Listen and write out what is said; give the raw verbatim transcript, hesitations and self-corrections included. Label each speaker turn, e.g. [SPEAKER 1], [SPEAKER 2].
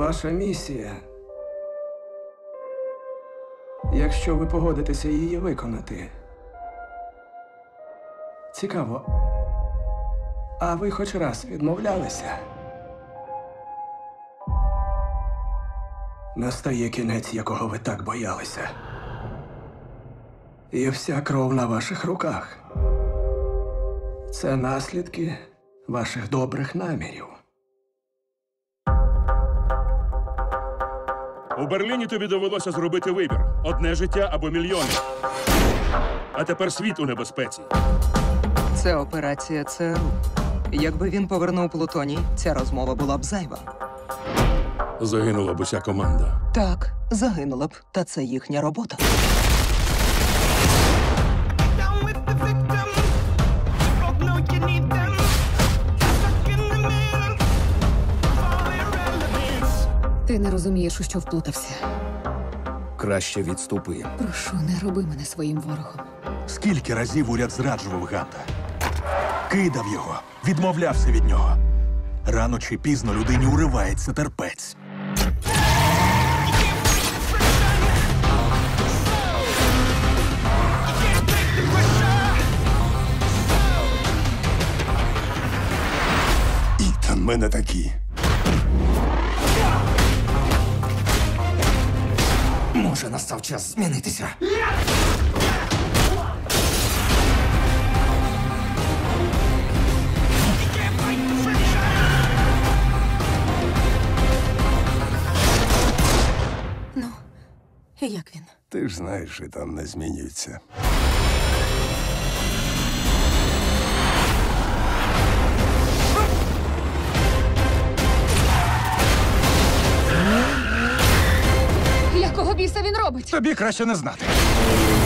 [SPEAKER 1] Ваша місія. Якщо ви погодитеся її виконати. Цікаво. А ви хоч раз відмовлялися? Настає кінець, якого ви так боялися. І вся кров на ваших руках. Це наслідки ваших добрих намірів.
[SPEAKER 2] У Берліні тобі довелося зробити вибір. Одне життя або мільйони. А тепер світ у небезпеці.
[SPEAKER 3] Це операція ЦРУ. Якби він повернув Плутоній, ця розмова була б зайва.
[SPEAKER 2] Загинула б уся команда.
[SPEAKER 3] Так, загинула б, та це їхня робота.
[SPEAKER 4] Ти не розумієш, у що вплутався.
[SPEAKER 5] Краще відступи.
[SPEAKER 4] Прошу, не роби мене своїм ворогом.
[SPEAKER 6] Скільки разів уряд зраджував Ганта? Кидав його, відмовлявся від нього. Рано чи пізно людині уривається терпець.
[SPEAKER 7] Ітан, ми не такі.
[SPEAKER 5] Може, настав час змінитися.
[SPEAKER 4] Ну, і як він?
[SPEAKER 7] Ти ж знаєш, Ітан не змінюється.
[SPEAKER 4] Якого біса він робить?
[SPEAKER 6] Тобі краще не знати.